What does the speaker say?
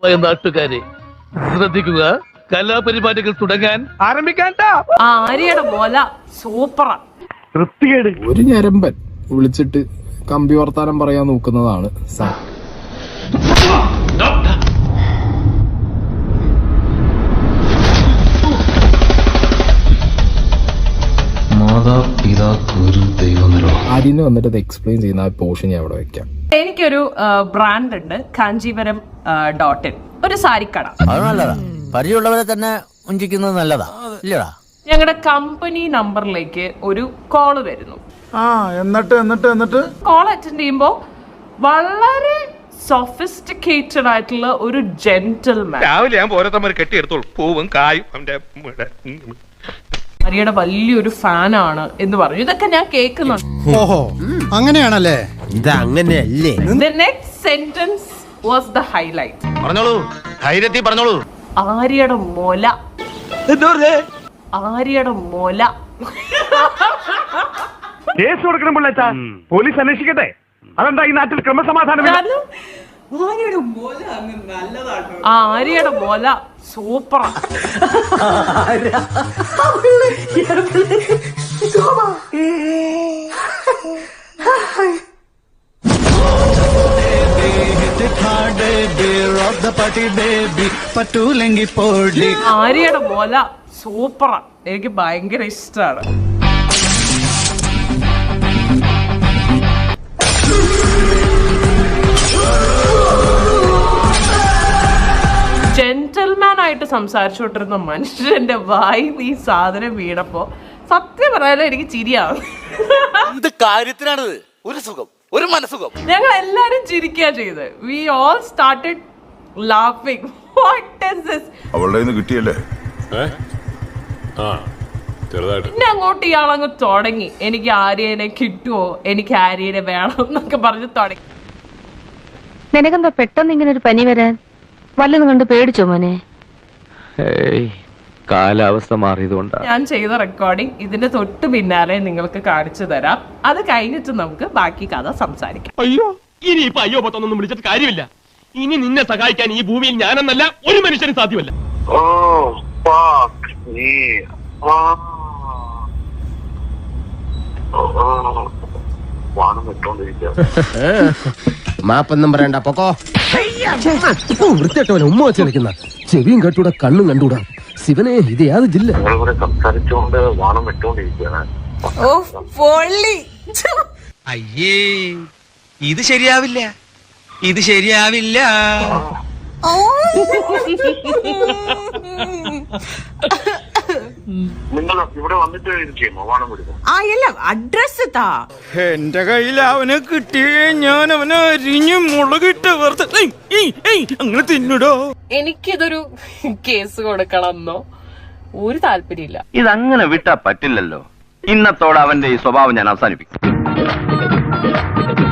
നാട്ടുകാരെ ശ്രദ്ധിക്കുക, കലാപരിപാടികൾ തുടങ്ങാൻ ആരംഭിക്കാൻ. ആര്യയുടെ മോല സൂപ്പറാ. ഒരു ഞരമ്പൻ വിളിച്ചിട്ട് കമ്പി വർത്താനം പറയാൻ നോക്കുന്നതാണ് സാർ. ആര്യന് വന്നിട്ട് ഇത് എക്സ്പ്ലെയിൻ ചെയ്യുന്ന ആ പോർഷൻ ഞാൻ അവിടെ വെക്കാം. എനിക്കൊരു ബ്രാൻഡ് ഉണ്ട്, കാഞ്ചീപുരം ഡോട്ടിൻ, ഒരു സാരിക്കട. നല്ലതാ, പരിചയമുള്ളവരെ തന്നെ ഉഞ്ചിക്കുന്നത് നല്ലതാ ഇല്ലടാ. ഞങ്ങളുടെ കമ്പനി നമ്പറിലേക്ക് ഒരു കോള് വരുന്നു. എന്നിട്ട് കോൾ അറ്റൻഡ് ചെയ്യുമ്പോൾ വളരെ സൊഫിസ്റ്റിക്കേറ്റഡ് ആയിട്ടുള്ള ഒരു ജെന്റിൽമാൻ. രാവിലെ ഞാൻ ഓരോരുത്തന്മാർ കെട്ടിയെടുത്തോളൂ, പൂവും കായും. ആര്യയുടെ വലിയൊരു ഫാനാണ് എന്ന് പറഞ്ഞു. ഇതൊക്കെ ഞാൻ കേൾക്കുന്നുണ്ട്. ഓഹോ, അങ്ങനെയാണല്ലേ? ഇതങ്ങനെയല്ലേ? The next sentence was the highlight. പറഞ്ഞോളൂ, ധൈര്യത്തിൽ പറഞ്ഞോളൂ. ആര്യയുടെ മോല. ആര്യയുടെ മോല. കേസ് കൊടുക്കണം പിള്ളേച്ചാ, പോലീസ് അന്വേഷിക്കട്ടെ. അതെന്താ ഈ നാട്ടിൽ ക്രമസമാധാനം? ആര്യയുടെ മോല സൂപ്പറാ. ആര്യയുടെ മോല സൂപ്പറാ, എനിക്ക് ഭയങ്കര ഇഷ്ടമാണ്. ജെന്റിൽമാൻ ആയിട്ട് സംസാരിച്ചോണ്ടിരുന്ന മനുഷ്യന്റെ വായി ഈ സാധനം വീണപ്പോ സത്യം പറയാനോ എനിക്ക് ചിരിയാവും. എന്ത് കാര്യത്തിനാണത്? ഒരു സുഖം, ഒരു മനസുഖം. ഞങ്ങൾ എല്ലാരും ചിരിക്കുക ചെയ്ത്. We all started laughing. What is this? അവളുടെ കിട്ടിയല്ലേ? പിന്നെ അങ്ങോട്ട് ഇയാളങ്ങ് തുടങ്ങി, എനിക്ക് ആര്യനെ കിട്ടുമോ, എനിക്ക് ആര്യനെ വേണം എന്നൊക്കെ പറഞ്ഞ് തുടങ്ങി. നിനക്കെന്താ പെട്ടെന്ന് ഇങ്ങനെ ഒരു പനി വരാൻ? വല്ലതും കണ്ട് പേടിച്ചോ മോനെ? കാലാവസ്ഥ മാറിയതുകൊണ്ടാണ്. ഞാൻ ചെയ്ത റെക്കോർഡിംഗ് ഇതിന്റെ തൊട്ട് പിന്നാലെ നിങ്ങൾക്ക് കാണിച്ചു തരാം. അത് കഴിഞ്ഞിട്ട് നമുക്ക് ബാക്കി കഥ സംസാരിക്കാം. അയ്യോ, ഇനി ഇപ്പൊ അയ്യോ പത്തൊന്നും വിളിച്ചിട്ട് കാര്യമില്ല. ഇനി നിന്നെ സഹായിക്കാൻ ഈ ഭൂമിയിൽ ഞാനെന്നല്ല ഒരു മനുഷ്യനും സാധ്യമല്ല. മാപ്പൊന്നും പറയണ്ട, പൊക്കോ. വൃത്തിയായിട്ടവനെ ഉമ്മ വെച്ച് കളിക്കുന്ന ചെവിയും കേട്ടൂടാ കണ്ണും കണ്ടൂടാ. ശിവനെ, ഇത് യാത് ജില്ല. സംസാരിച്ചുകൊണ്ട് വാണം വിട്ടോണ്ടിരിക്കുകയാണ്. അയ്യേ, ഇത് ശരിയാവില്ല, ഇത് ശരിയാവില്ല. നിങ്ങൾ ഇവിടെ വന്നിട്ട് ചെയ്യുമോ വാണം വിടുമോ? അഡ്രസ് താ. എന്റെ കയ്യിൽ അവനെ കിട്ടിയേ ഞാൻ അവനെ അരിഞ്ഞു മുളകിട്ട് വെറുതെ അങ്ങനെ തിന്നിടോ. എനിക്കിതൊരു കേസ് കൊടുക്കണമെന്നോ ഒരു താല്പര്യമില്ല. ഇതങ്ങനെ വിട്ടാ പറ്റില്ലല്ലോ. ഇന്നത്തോടെ അവന്റെ ഈ സ്വഭാവം ഞാൻ അവസാനിപ്പിക്കും.